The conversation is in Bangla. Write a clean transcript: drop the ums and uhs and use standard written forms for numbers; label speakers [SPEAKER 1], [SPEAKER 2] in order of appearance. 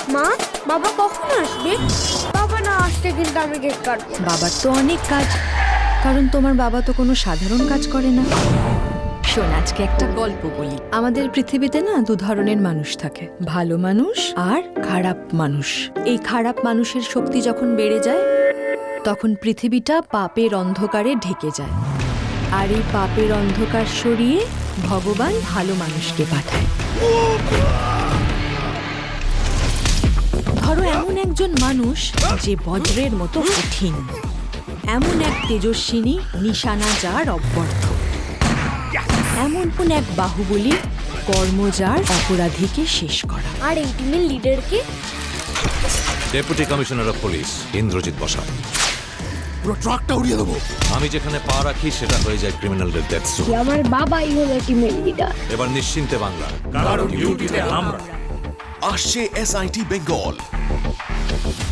[SPEAKER 1] মা, বাবা কখন আসবে? বাবা না আসলে কিন্তু আমি কেক কাটবো।
[SPEAKER 2] বাবার তো অনেক কাজ, কারণ তোমার বাবা তো কোনো সাধারণ কাজ করে না। শোন, আজকে একটা গল্প বলি। আমাদের পৃথিবীতে না দু ধরনের মানুষ থাকে, ভালো মানুষ আর খারাপ মানুষ। এই খারাপ মানুষের শক্তি যখন বেড়ে যায় তখন পৃথিবীটা পাপের অন্ধকারে ঢেকে যায়, আর এই পাপের অন্ধকার সরিয়ে ভগবান ভালো মানুষকে পাঠায়। ধরো এমন একজন মানুষ যে বজ্রের মতো কঠিন, এমন এক তেজস্বিনী নিশানা যার অব্যর্থ, এমন কোন এক বাহুবলী কর্ম যার অপরাধীকে শেষ করা।
[SPEAKER 1] আর এই টিমের লিডারকে?
[SPEAKER 3] Deputy commissioner of police Indrajit Basak.
[SPEAKER 4] পুরো ট্রাকটা উড়িয়ে দেবো।
[SPEAKER 3] আমি যেখানে পা রাখি সেটা হয়ে যায় ক্রিমিনালদের ডেথ জোন।
[SPEAKER 1] আমার বাবাই হলো টিমের লিডার।
[SPEAKER 3] এবার নিশ্চিন্তে বাংলা,
[SPEAKER 4] কারণ ডিউটিতে আমরা।
[SPEAKER 5] আসছে SIT বেঙ্গল।